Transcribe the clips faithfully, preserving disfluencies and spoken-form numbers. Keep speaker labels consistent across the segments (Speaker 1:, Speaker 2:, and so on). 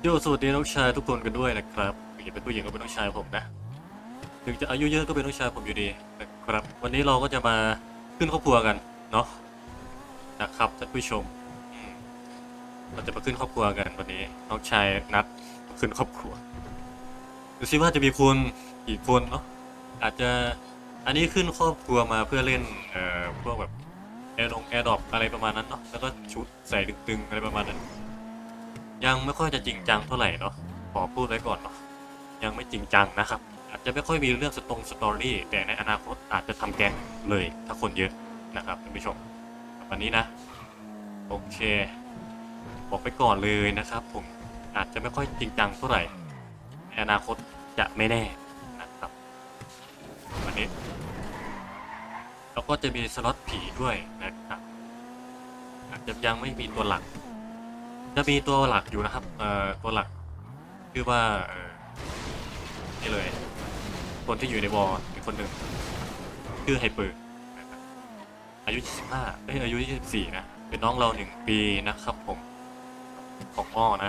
Speaker 1: โยสวัสดีน้องชายทุกคนกันด้วยนะครับอย่าเป็นผู้หญิงก็เป็นน้องชายผมนะถึงจะอายุเยอะก็เป็นน้องชายผมอยู่ดีนะครับวันนี้เราก็จะมาขึ้นครอบครัวกันเนาะนะครับท่านผู้ชมอืมเราจะมาขึ้นครอบครัวกันวันนี้น้องชายนัดขึ้นครอบครัวดูซิว่าจะมีคนกี่คนเนาะอาจจะอันนี้ขึ้นครอบครัวมาเพื่อเล่นเอ่อพวกแบบแอร์ดงแอร์ดรอปอะไรประมาณนั้นเนาะแล้วก็ชุดใส่ตึงๆอะไรประมาณนั้นยังไม่ค่อยจะจริงจังเท่าไหร่เนาะขอพูดไว้ก่อนเนาะ ยังไม่จริงจังนะครับอาจจะไม่ค่อยมีเรื่องสตรงสตอรี่แต่ในอนาคตอาจจะทำแก๊งเลยถ้าคนเยอะนะครับท่านผู้ชมวันนี้นะโอเคบอกไปก่อนเลยนะครับผมอาจจะไม่ค่อยจริงจังเท่าไหร่ในอนาคตจะไม่แน่นะครับวันนี้แล้วก็จะมีสล็อตผีด้วยนะครับอาจจะยังไม่มีตัวหลักจะมีตัวหลักอยู่นะครับเอ่อตัวหลักคือว่าเอ่อนี่เลยคนที่อยู่ในวอลมีคนหนึ่งชื่อไฮเปอร์นะครับอายุยี่สิบห้าเอ้ยอายุยี่สิบสี่นะเป็นน้องเราหนึ่งปีนะครับผมของอ้อนะ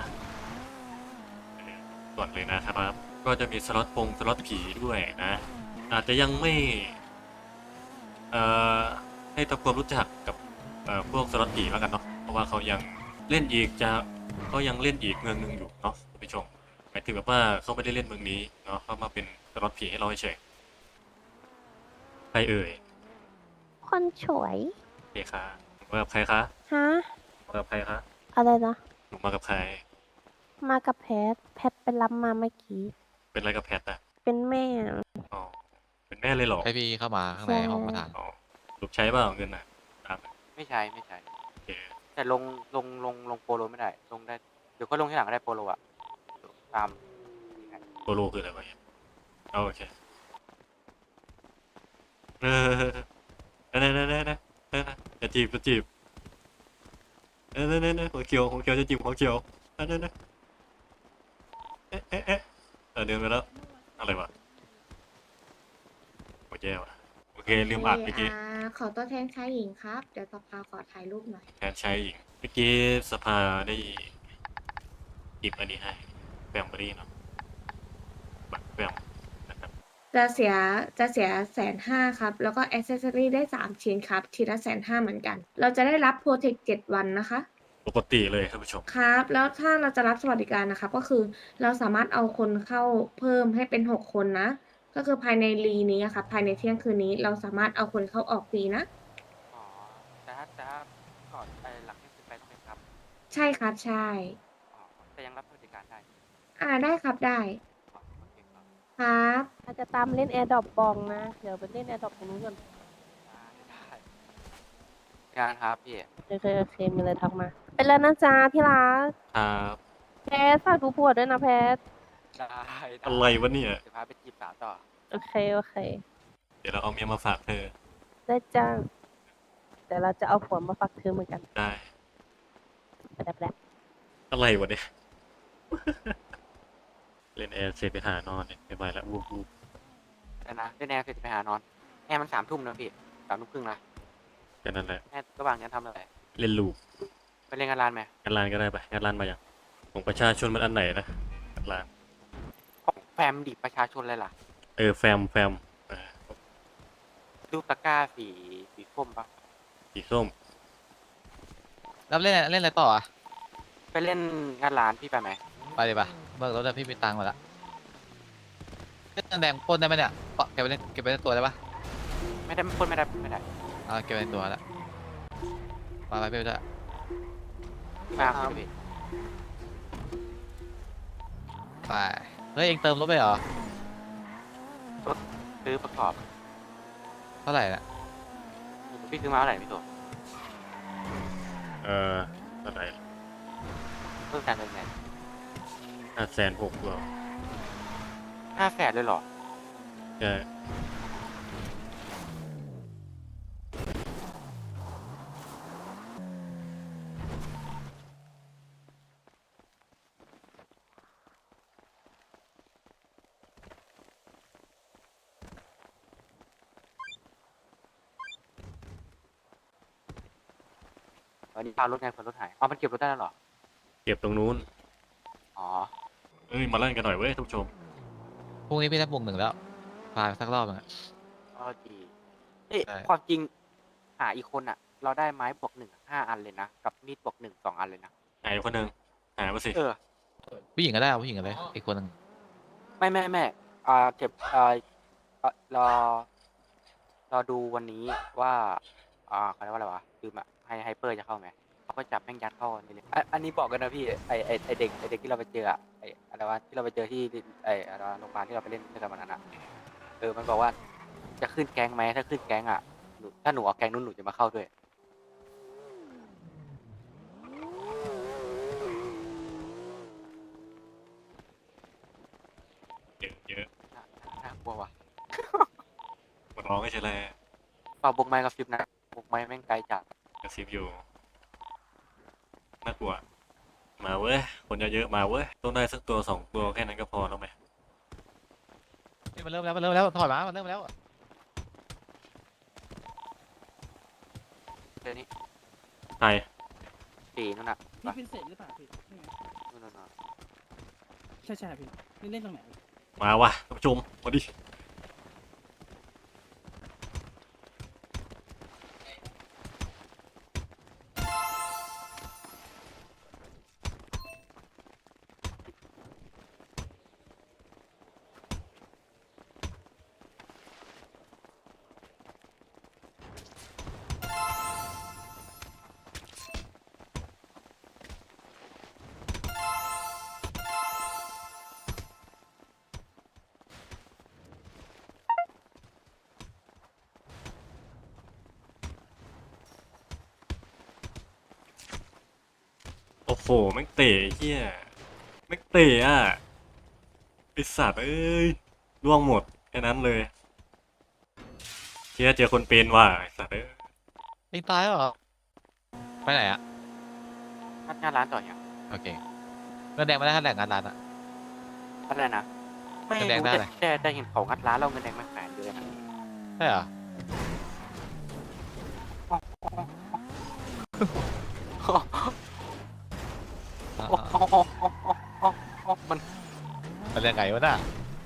Speaker 1: ส่วนเลยนะครับก็จะมีสล็อตปงสล็อตผีด้วยนะอาจจะยังไม่เอ่อให้ทำความรู้จักกับเอ่อพวกสล็อตผีแล้วกันเนาะเพราะว่าเขายังเล่นอีกจะเขายังเล่นอีกเมืองหนึงอยู่เนาะท่านผู้ชมหมายถึงแบบว่าเขาไม่ได้เล่นเมืองนี้เนาะเขามาเป็นสล็อตผีให้เราเฉยใครเอ่ย
Speaker 2: คนสวย
Speaker 1: โอเคค่ะหนูมากับใครคะ
Speaker 2: ฮะ
Speaker 1: มากับใครคะ
Speaker 2: อะไรนะ
Speaker 1: หนูมากับใคร
Speaker 2: มากับแพท แพทไปรับมาเมื่อกี้
Speaker 1: เป็นอะไรกับแพทอะ
Speaker 2: เป็นแม่
Speaker 1: อ๋อเป็นแม่เลยเหรอ
Speaker 3: ให้พี่เข้ามาข้างใน
Speaker 2: ใช่
Speaker 3: ห้องประธาน
Speaker 1: อ๋อลูกใช้เปล่าเงินอะตาม
Speaker 4: ไม่ใช่ไม่ใช่
Speaker 1: โอเค
Speaker 4: แต่ลงลงลงลงโปโลไม่ได้ลงได้เดี๋ยวก็ลงที่หลังก็ได้โปโลอะตามนี่ให้
Speaker 1: โปโลคืออะไรวะเนี่ยเอาโอเคเออเออเนเนเนเนเนจะจีบจะจีบเออเนเนเนหัวเขียวหัวเขียวจะจีบหัวเขียวเออเนเนเอ๊ะเอ๊ะเอ๊ะเออเดินไปแล้วอะไรวะโอเคว่ะโอเคลืมอัดเมื่อกี้
Speaker 5: อ่าขอตัวแทนชายหญิงครับ เดี๋ยวสภาขอถ่ายรูปหน่อย
Speaker 1: แทนชายหญิงเมื่อกี้สภาได้หยิบอันนี้ให้แบมเบอรี่เนาะบัตรแบมนะครับ
Speaker 5: จะเสียจะเสียแสนห้าครับ แล้วก็อ c เซสซอรี่ได้สามชิ้นครับ ทีละแสนห้าเหมือนกัน เราจะได้รับโปรเทคเจ็ดวันนะคะ
Speaker 1: ปกติเลยท่านผู้ชม
Speaker 5: ครับ แล้วถ้าเราจะรับสวัสดิการนะครับ ก็คือเราสามารถเอาคนเข้าเพิ่มให้เป็นหกคนนะ ก็คือภายในรีนี้อะครับภายในเที่ยงคืนนี้ เราสามารถเอาคนเข้าออกฟรีนะ
Speaker 4: อ๋อแต่ถ้าแต่ถ้าก่อนไปหลังที่ขึ้นไปต้องไปครับ
Speaker 5: ใช่ครับใช่
Speaker 4: อ๋อแต่ยังรับสวัสดิการได้
Speaker 5: อ่าได้ครับได้
Speaker 4: อ๋อโอเคครับ
Speaker 5: ครับ
Speaker 2: อาจจะตามเล่นแอร์ดรอปบองนะ เดี๋ยวไปเล่นแอร์ดรอปตรงนู้นก่อน
Speaker 4: ได้ได้งานครับพี่
Speaker 2: โอเคโอเคมีอะไรทักมา เป็นแล้วนะจ๊ะที่รัก
Speaker 1: ครับ
Speaker 2: แพทฝากดูผัวด้วยนะแพท
Speaker 4: ได้ได้
Speaker 1: อะไรวะเนี่ย
Speaker 4: เดี๋ยวพาไปจีบสาวต่อ
Speaker 2: โอเคโอเค
Speaker 1: เดี๋ยวเราเอาเมียมาฝากเธอ
Speaker 2: ได้จ้าแต่เราจะเอาผัวมาฝากเธอเหมือนกัน
Speaker 1: ได้
Speaker 2: แป๊บแป๊บ
Speaker 1: อะไรวะเนี่ยเล่นแอร์เสร็จไปหานอนเนี่ยไม่ไหวแล้ววูบวูบ
Speaker 4: แต่นะได้แนวเสร็จจะไปหานอนแอร์มันสามทุ่มนะพี่สามทุ่มครึ่งนะ
Speaker 1: แค่นั้นแหละ
Speaker 4: แอร์ระหว่างนี้ทำอะไร
Speaker 1: เล่นลูก
Speaker 4: ไปเล่นงานร้านไหม
Speaker 1: งานร้านก็ได้ปะงานร้านมาอย่างของประชาชนมันอันไหนนะงานร้าน
Speaker 4: ของแฟมดิประชาชนเลยล่ะ
Speaker 1: เออแฟมแฟมเออ
Speaker 4: รูปตะกร้าสีสีส้มปะ
Speaker 1: สีส้ม
Speaker 3: แล้วเล่นเล่นอะไรต่ออ่ะ
Speaker 4: ไปเล่นงานร้านพี่ไปไหม
Speaker 3: ไปเลยปะเบิกรถได้พี่มีตังค์มาละเล่นแดงปล้นได้ไหมเนี่ยเกาะเก็บไปเล่นเก็บไปในตัวได้ปะ
Speaker 4: ไม่ได้คนไม่ได้ไม่ได้
Speaker 3: อ่าเก็บไปในตัวละมาไปพี่ไปด้วย
Speaker 4: มาครับพี่
Speaker 3: ไปเฮ้ยเองเติมรถไปเหรอ
Speaker 4: รถซื้อประกอบ
Speaker 3: เท่าไหร่น่ะ
Speaker 4: พี่ซื้อมาเท่าไหร่พี่ตัว
Speaker 1: เออเท่าไหร่
Speaker 4: เพิ่มการเงินไง
Speaker 1: ห้าแสนหกเหรอ
Speaker 4: ห้าแสนเลยเหรอ
Speaker 1: ใช่
Speaker 4: วันนี้พารถไงเผื่อรถหายอ๋อมันเก็บรถได้แล้วเหรอ
Speaker 1: เก็บตรงนู้น
Speaker 4: อ๋อ
Speaker 1: อ้ยมาเล่นกันหน่อยเว้ยท่านผู้ชม
Speaker 3: พรุ่งนี้พี่ได้บวกหนึ่งแล้วพาสักรอบหนึงอะ
Speaker 4: ก็ดีเอ๊ะ
Speaker 3: ใช่
Speaker 4: ความจริงหาอีกคนอ่ะ เราได้ไม้บวกหนึ่งห้าอันเลยนะ กับมีดบวกหนึ่งสองอันเลยนะ
Speaker 1: ไหนคนหนึ่งหามาสิ
Speaker 4: เออ
Speaker 3: ผู้หญิงก็ได้เอาผู้หญิงก็ได้อีกคนหนึ่ง
Speaker 4: ไม่ไม่ไม่อ่าเก็บอ่าเอ่อรอรอดูวันนี้ว่า อ่าเขาเรียกว่าอะไรวะลืมอ่ะไฮไฮเปอร์จะเข้าไหมเขาก็จับแม่งยัดเข้าในเลยอันอันนี้บอกกันนะพี่ไอไอไอเด็กไอเด็กที่เราไปเจออะไออะไรวะที่เราไปเจอที่ไออะไรวะโรงพยาบาลที่เราไปเล่นด้วยกันวันนั้นอะเออมันบอกว่าจะขึ้นแก๊งไหมถ้าขึ้นแก๊งอ่ะหนูถ้าหนูเอาแก๊งนู้นหนูจะมาเข้าด้วย
Speaker 1: เยอะเยอะ
Speaker 4: น่าน่ากลัวว่ะ
Speaker 1: หมดร้องก็ใช่แหละ
Speaker 4: ฝากบุกไม้กับฟิปนะบุกไม้แม่งไกลจัด
Speaker 1: กระซิบอยู่น่ากลัวมาเว้ยคนเยอะๆมาเว้ยต้องได้สักตัวสองตัวแค่นั้นก็พอแล้วไหม
Speaker 3: นี่มันเริ่มแล้วมันเริ่มแล้วถอยมามันเริ่มแล้ว
Speaker 4: เดี๋ยวนี้
Speaker 1: ใคร
Speaker 4: สี่นั่นน่ะ
Speaker 6: พี่เป็นเศษหรือเปล่าพี่ใช่ไหม
Speaker 4: นู่นนู่นนู่น
Speaker 6: ใช่ใช่พี่นี่เล่นตรงไหน
Speaker 1: มาว่ะท่านผู้ชมมาดิ โอ้โหแม่งเตะไอ้เฮียแม่งเตะอ่ะไอสัตว์เอ้ยล่วงหมดแค่นั้นเลยเฮียเจอคนเป็นว่ะไอสัตว์เอ้ย
Speaker 3: เองตายแล้วเหรอไปไหนอะ
Speaker 4: ถ้าหน้าร้านต่ออย่าง
Speaker 3: โอเคเงินแดงไม่ได้ค่าแรงงานร้านอะ
Speaker 4: อะไรนะไม่
Speaker 3: เงินแดง
Speaker 4: รู้
Speaker 3: ได้
Speaker 4: แต่
Speaker 3: อะไร
Speaker 4: แต่แต่เห็นเขางัดร้านเราเงินแดงไม่แขวนเลยนะ
Speaker 3: ใช่เหรอ
Speaker 4: โอ้โหโอ้โหโอ้โหโอ้โหมัน
Speaker 3: มันเรื่องไงวะน่ะ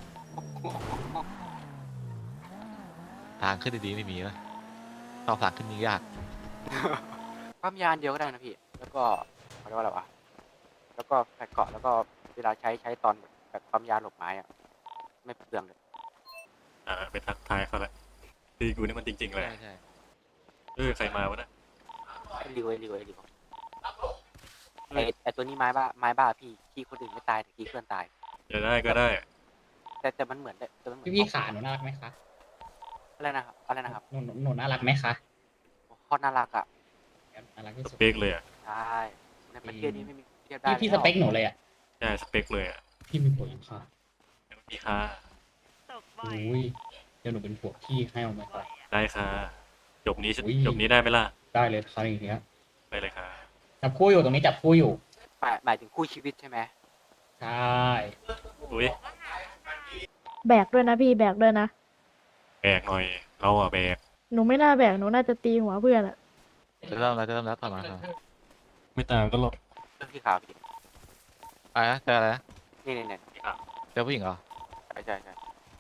Speaker 3: ทางขึ้นดีๆไม่มีวะต่อทางขึ้นมียาก
Speaker 4: ปั๊มยานเดียวก็ได้นะพี่ แล้วก็เขาเรียกว่าอะไรวะแล้วก็แผ่นเกาะแล้วก็เวลาใช้ใช้ตอนแบบปั๊มยาหลบไม้อะไม่เปลืองเลย
Speaker 1: อ่าไปทักทายเขาละตีกูนี่มันจริงๆเลย
Speaker 3: ใช่ใช่
Speaker 1: เออใครมาวะนะ
Speaker 4: ไอ้ริวไอ้ริวไอ้ริวไอ้ไอ้ตัวนี้ไม้บ้าไม้บ้าพี่ขี้คนอื่นไม่ตายแต่ขี้เพื่อนตาย
Speaker 1: จะได้ก็ได้
Speaker 4: แต่แต่มันเหมือนแต่มันเหมือน
Speaker 7: พี่พี่ขาหนูน่ารักไหมคะ
Speaker 4: อะไรนะครับอะไรนะครับ
Speaker 7: หนูหนูหนูน่ารักไหมคะ
Speaker 4: โคตรน่ารักอ่ะ
Speaker 7: น่ารักที่
Speaker 1: ส
Speaker 7: สุด
Speaker 1: เปคเลยอ่ะ
Speaker 4: ใช่ในประเทศนี้ไม่มีเทียบได้
Speaker 7: พี่พี่สเปคหนูเลยอ่ะ
Speaker 1: ใช่สเปคเลยอ่ะ
Speaker 7: พี่มีผัวยังคะ
Speaker 1: มีค่า
Speaker 7: อุ้ยเดี๋ยวหนูเป็นผัวพี่ให้เอาไหมคะ
Speaker 1: ได้ค่ะจบนี้
Speaker 7: อุ้ย
Speaker 1: จบนี้ได้ไหมล่ะ
Speaker 7: ได้เลยค่ะอย่างเงี้ย
Speaker 1: ไปเลยค่ะ
Speaker 7: จับคู่อยู่ตรงนี้จับคู่อยู่
Speaker 4: หมายหมายถึงคู่ชีวิตใช่ไหม
Speaker 7: ใช่
Speaker 1: อุ้ย
Speaker 2: แบกด้วยนะพี่แบกด้วยนะ
Speaker 1: แบกหน่อยเราอ่ะแบก
Speaker 2: หนูไม่น่าแบกหนูน่าจะตีหัวเพื่อนอะ
Speaker 3: จะเริ่มแล้วจะเริ่มแล้วต่อมาครับ
Speaker 1: ไม่ต่างกันหรอก
Speaker 4: เรื่องที่ข่าวพี่
Speaker 3: อะไรนะเจออะไรนะ
Speaker 4: นี่นี่นี่
Speaker 3: เจอผู้หญิงเหรอ
Speaker 4: ใช่ใช่ใช่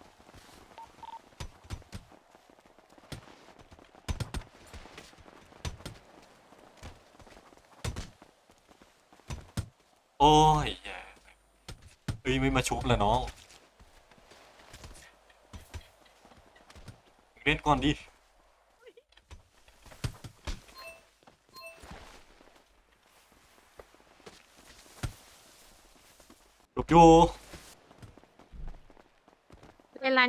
Speaker 1: โอ้ยแย่เฮ้ยไม่มาชุบละน้องเล่นก่อนดิชุบอยู่
Speaker 2: ในร้าน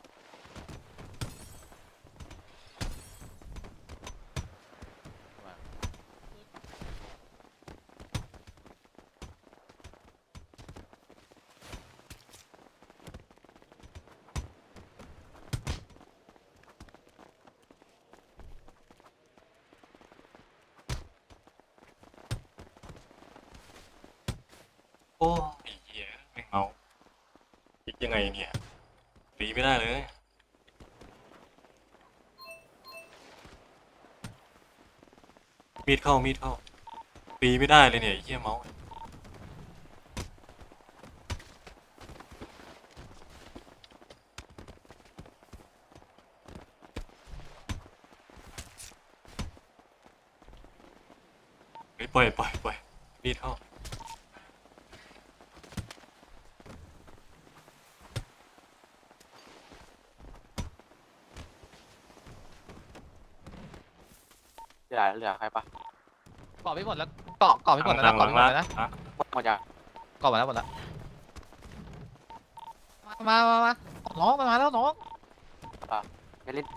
Speaker 1: โอ้ยเหี้ยไม่เอาคิดยังไงเนี่ยตีไม่ได้เลยมีดเข้ามีดเข้าตีไม่ได้เลยเนี่ยไอ้เหี้ยเมาส์เฮ้ยปล่อยปล่อยปล่อยมีดเข้า
Speaker 4: เหลือเหลือใครปะ
Speaker 3: เกาะพี่หมดแล้วเกาะเกาะพี่หมดแล้วนะ
Speaker 1: ห
Speaker 3: เกาะ
Speaker 1: ลัง
Speaker 3: พี่หมด
Speaker 1: ๆ
Speaker 3: แล้วนะ
Speaker 1: อ่ะ
Speaker 4: หมดยัง
Speaker 3: เกาะหมดแล้วหมดแล้วมามามามาน้องมันมาแล้วน้อง
Speaker 4: ไม่เล่น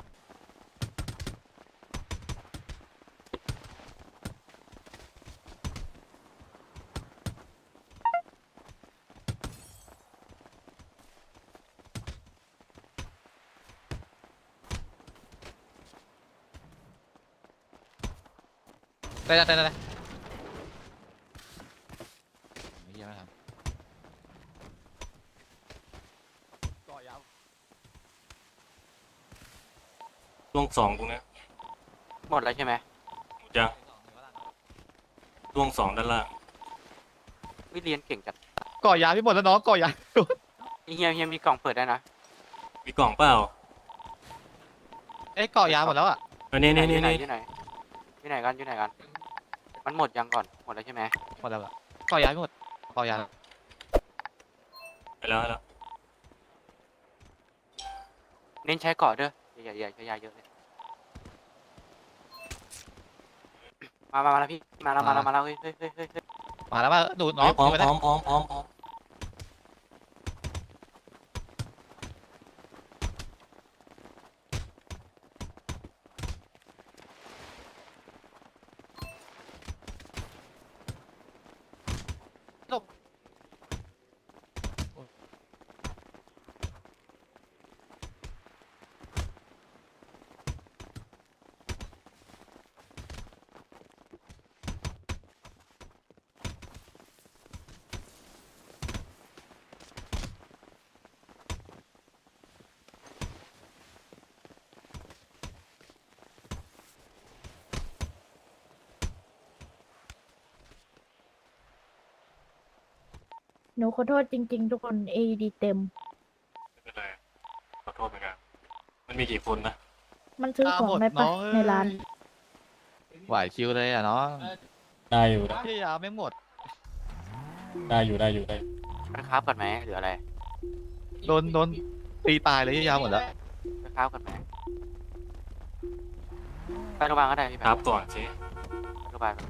Speaker 3: ได้ได้ได้ได้ไม่เยี่ยมนะครับเกาะยาว
Speaker 1: ล่วงสองตรงเนี้ย
Speaker 4: หมดแล้วใช่ไหม
Speaker 1: หมดยังล่วงสองด้านล่าง
Speaker 4: วิเรียนเก่งจัด
Speaker 3: เกาะยาวพี่หมดแล้วน้องเกาะยาว
Speaker 4: เฮียเฮียมีกล่องเปิดได้นะ
Speaker 1: มีกล่องเปล่า
Speaker 3: เอ้ยเกาะยาวหมดแล้วอ่ะ
Speaker 1: อันนี้นี่
Speaker 4: ที่
Speaker 1: นี่
Speaker 4: ไหน
Speaker 1: นี่
Speaker 4: ที่ไหนที่ไหนกันที่ไหนกันมันหมดยังก่อนหมดแล้วใช่ไหม
Speaker 3: หมดแล้วอะเกาะยาวพี่หมดเกาะยาว
Speaker 1: ไปแล้วไปแล้ว
Speaker 4: เน้นใช้เกาะเด้ออย่าอย่าใช้ยาเยอะเลยมามามาแล้วพี่มาแล้วมาแล้วมาแล้วเฮ้ยเฮ้ยเฮ้ยเฮ้ยเฮ้ย
Speaker 3: มาแล้วมาดูน้อ
Speaker 1: เฮ้
Speaker 3: ง
Speaker 1: ยพร้อม
Speaker 3: ไป
Speaker 1: พ
Speaker 3: ได้
Speaker 1: ร้อมพร้อมพร้อมพร้อม
Speaker 2: หนูขอโทษจริง ๆ ทุกคน เอ ดี เต็ม
Speaker 1: ไม่เป็นไรขอโทษเหมือนกันมันมีกี่คนนะ
Speaker 2: มันซื้อของได้ปะในร้าน
Speaker 3: ไหวคิวเลยอ่ะน้อง
Speaker 7: ได้อยู่ได้
Speaker 3: พี่ยาวไม่หมด
Speaker 7: ได้อยู่ได้อยู่ได้
Speaker 4: ไปคราฟกันไหมหรืออะไร
Speaker 3: โดนโดนตีตายเลยพี่ยาวหมดแล้ว
Speaker 4: ไปคราฟกันไหมไปโรงพยาบาลก็ได้พี่
Speaker 1: ครับก่อนสิ
Speaker 4: ไปโรงพยาบาล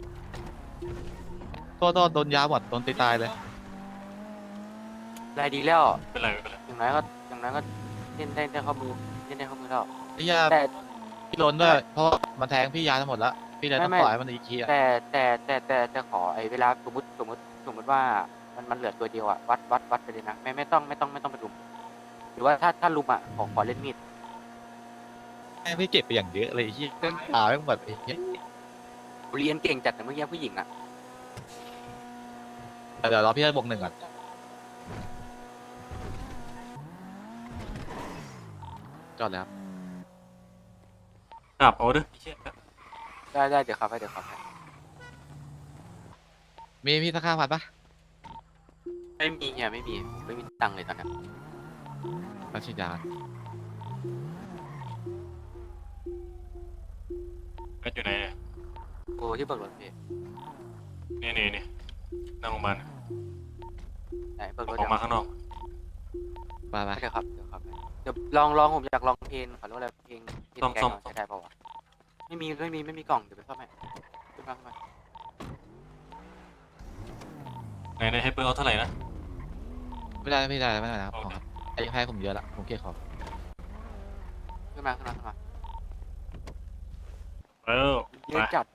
Speaker 3: โทษโทษโดนยาวหมดโดนตีตายเลย
Speaker 4: รายดีแล้ว
Speaker 1: ไม่เป็นไรไม่เป็นไร
Speaker 4: อย่างน้อยก็อย่างน้อยก็เล่นได้ได้ข้อมือเล่นได้ข้อมือแล้ว
Speaker 3: พี่ยา
Speaker 4: แต่
Speaker 3: พี่โดนด้วยเพราะมันแทงพี่ยาทั้งหมดแล้วพี่เลยต้อง
Speaker 4: ไม่
Speaker 3: ปล่อยให้มันอีกทีอ่ะ
Speaker 4: แต่แต่แต่แต่แต่ขอไอ้เวลาสมมติสมมติสมมติว่ามันมันเหลือตัวเดียวอะวัดวัดวัดไปเลยนะไม่ไม่ต้องไม่ต้องไม่ต้องไปลุมหรือว่าถ้าถ้าลุมอะขอขอเล่นมีด
Speaker 3: ให้พี่เจ็บไปอย่างเยอะเลยที่เส้นขาไม่หมดไอ้เหี้ย
Speaker 4: เรียนเก่งจัดแต่เมื่อกี้ผู้หญิงอะ
Speaker 3: เดี๋ยวรอพี่ได้บวกหนึ่งก่อนจอดแล้ว
Speaker 1: กลับเอาเด้อไอ้เชี่ย
Speaker 4: ได้ได้เดี๋ยวครับให้เดี๋ยวครับให้
Speaker 3: มีพี่สักห้าพันปะ
Speaker 4: ไม่มีเนี่ยไม่มีไม่มีตังค์เลยตอนนี้
Speaker 3: มาฉีดยา
Speaker 1: แม่อยู่ไหนเนี่ย
Speaker 4: โอ้ที่เบิกรถพี่
Speaker 1: นี่นี่นี่นั่งโรงพยาบาล
Speaker 4: ไหนเบิกรถ
Speaker 1: ออ
Speaker 4: เดี๋
Speaker 1: ก
Speaker 4: ยว
Speaker 1: มาข้างนอก
Speaker 3: ไปไป
Speaker 4: เดี๋ยวครับเดี๋ยวครับเดี๋ยวลองลองผมอยากลองเพลงขอรู้อะไรเพลงเพลงแกงใช้ได้ป่าวะไม่มีไม่มีไม่มีกล่องเดี๋ยวไปซ่อมให้ขึ้นมาขึ้นมา
Speaker 1: ไหนไหนให้เปิดเอาเท่าไหร่นะ
Speaker 3: ไม่ได้ไม่ได้ไม่ได้นะครับขอครับไอ้แพ้ผมเยอะละผมเกลียดขอ
Speaker 4: ขึ้นมาขึ้นมาขึ้นมา
Speaker 1: เออ
Speaker 4: ยื
Speaker 1: ไป
Speaker 4: นจัด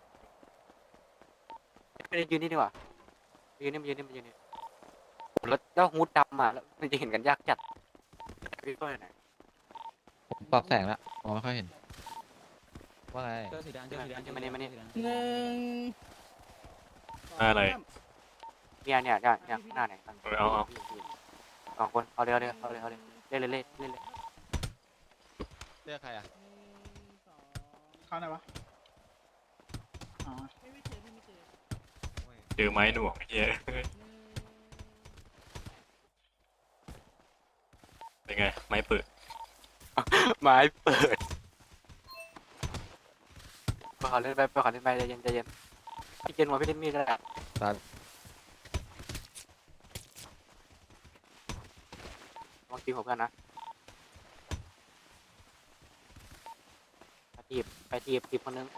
Speaker 4: ไม่ได้ยืนนี่ดีกว่ายืนนี่มายืนนี่มายืนนี่แล้วแล้วฮูดดำอ่ะแล้วมันจะเห็นกันยากจัดพี่ก็ไหน
Speaker 3: ผมปรับแสงละมองไม่ค่อยเห็นว่าไง
Speaker 6: เจอสีแดงเจอสีแดง
Speaker 4: มานี่มานี่
Speaker 6: หนึ่ง
Speaker 1: อะไร
Speaker 4: เนี่ยเนี่ยเนี่ยเนี่ยหน้าไหนกัน
Speaker 1: เออเอาเอา
Speaker 4: สองคนเอาเร็วเร็วเอาเร็วเอาเร็วเล่นเลยเล่นเล่นเลย
Speaker 3: เลือกใครอ่ะ
Speaker 6: เข้าไหนวะอ๋อ
Speaker 1: เจอไม้หน่วงไอ้เหี้ยเป็นไงไม้เปิด
Speaker 4: ไม้เปิดไปขอเล่นไปไปขอเล่นไปใจเย็นใจเย็นพี่เกณฑ์มาพี่เล่นมีดแล้ว
Speaker 3: ครับ
Speaker 4: ลองตีหัวเพื่อนนะไปทีบไปทีบทีบคนนึง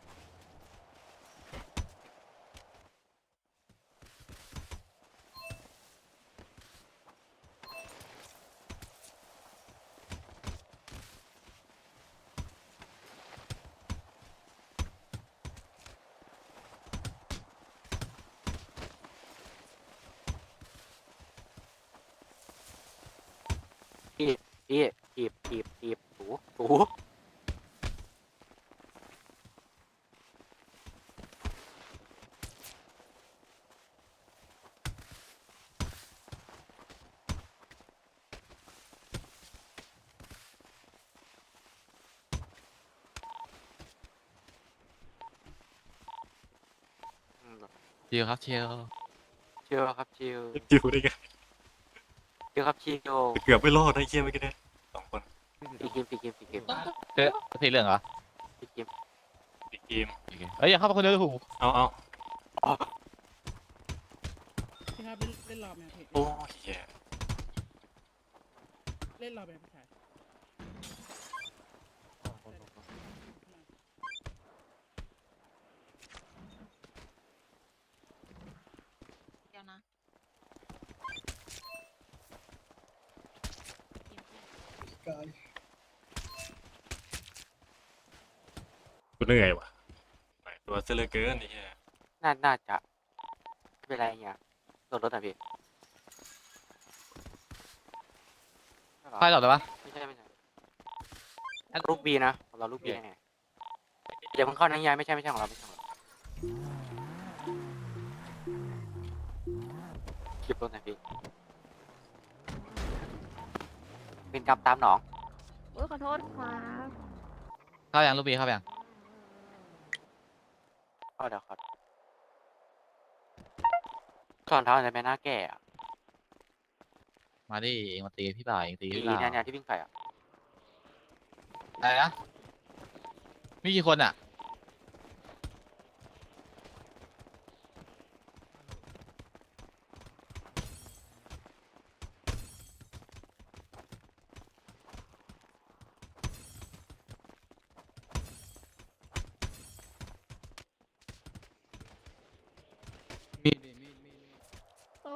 Speaker 4: พี่พี่ทีบทีบทีบถูถูอืม
Speaker 3: ชิลครับชิล
Speaker 4: ชิลครับชิล
Speaker 1: จิวได้ไง
Speaker 4: ชิลครับชิล
Speaker 1: เกือบไม่รอดได้เชี่ยเมื่อกี้เนี่ยสองคน
Speaker 4: ปีเกมปีเกมปีเกม
Speaker 3: เฮ้ยสีเหลืองเหรอ
Speaker 4: ปีเกม
Speaker 1: อีกเกม
Speaker 3: โอเคเอ้ยอย่าเข้ามาคนเดียวถูก
Speaker 1: เอาเอา
Speaker 6: พี่ครับเล่นเล่นรอบไหมครับพี่
Speaker 1: โอ้ยแย่
Speaker 6: เล่นรอบไหมพี่ชาย
Speaker 8: เดี๋ยวนะ
Speaker 1: กูเหนื่อยว่ะหลายตัวเสียเหลือเกินไอ้เหี้ย
Speaker 4: น่าน่าจะไม่เป็นไรเงี้ยโดดรถอ่ะพี่ไม่หรอ
Speaker 3: ไฟหลอดได้ปะ
Speaker 4: ไม่ใช่ไม่ใช่ลูกบีนะของเราลูกบีแน่ๆอย่าเพิ่งเข้านะยายไม่ใช่ไม่ใช่ของเราไม่ใช่ของเราคลิปรถหน่อยพี่เป็นกำตามหนอง
Speaker 2: โอ้ยขอโทษครับ
Speaker 3: เข้ายังลูกบีเข้ายัง
Speaker 4: เข้าเดี๋ยวครับสอนเท้าอะไรไหมหน้าแก่อะ
Speaker 3: มาดิเองมาตีพี่บ่ายเองตี
Speaker 4: อี
Speaker 3: พี่บ่า
Speaker 4: เนี่ยเนี่ยที่วิ่งไปอ่ะ
Speaker 3: อะไรนะมีกี่คนอ่ะมีดมีดมีดมีด
Speaker 2: โอ้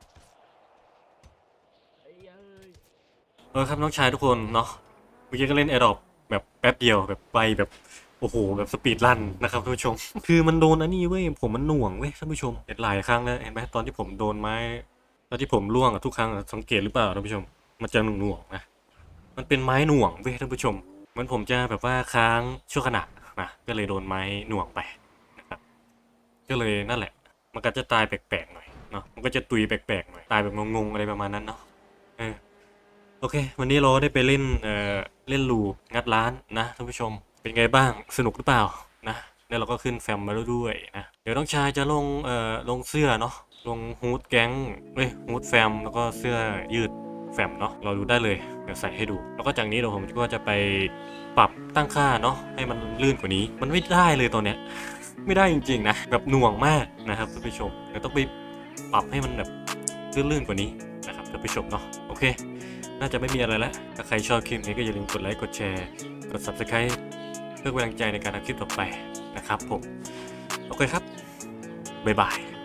Speaker 1: เออครับน้องชายทุกคนเนาะเมื่อกี้ก็เล่นแอร์ดรอปแบบแป๊บเดียวแบบไปแบบโอ้โหแบบสปีดรันนะครับท่านผู้ชม คือมันโดนอันนี้เว้ยผมมันหน่วงเว้ยท่านผู้ชมเห็นหลายครั้งแล้วเห็นไหมตอนที่ผมโดนไม้ตอนที่ผมล่วงอะทุกครั้งอะสังเกตหรือเปล่าท่านผู้ชมมันจะหน่วงๆนะมันเป็นไม้หน่วงเว้ยท่านผู้ชมเหมันผมจะแบบว่าค้างชั่วขณะนะก็เลยโดนไม้หน่วงไปนะครับก็เลยนั่นแหละ มันก็จะตายแปลกๆหน่อยเนาะมันก็จะตุยแปลกๆหน่อยตายแบบงงๆอะไรประมาณนั้นเนาะเออโอเค วันนี้เราได้ไปเล่นเอ่อเล่นลูงัดร้านนะท่านผู้ชมเป็นไงบ้างสนุกหรือเปล่านะแล้วเราก็ขึ้นแฟมมาแล้วด้วยนะเดี๋ยวน้องชายจะลงเอ่อลงเสื้อเนาะลงฮูดแก๊งเอ้ยฮูดแฟมแล้วก็เสื้อยืดแฟมเนาะเราดูได้เลยเดี๋ยวใส่ให้ดู แล้วก็จากนี้เดี๋ยวผมก็จะไปปรับตั้งค่าเนาะให้มันลื่นกว่านี้มันไม่ได้เลยตอนเนี้ย ไม่ได้จริงๆนะแบบหน่วงมากนะครับท่านผู้ชมเดี๋ยวต้องไปปรับให้มันแบบลื่นๆกว่านี้นะครับท่านผู้ชมเนาะโอเค น่าจะไม่มีอะไรแล้วถ้าใครชอบคลิปนี้ก็อย่าลืมกดไลค์กดแชร์กด ซับสไครบ์ เพื่อเป็นกำลังใจในการทำคลิปต่อไปนะครับผมโอเคครับบ๊ายบาย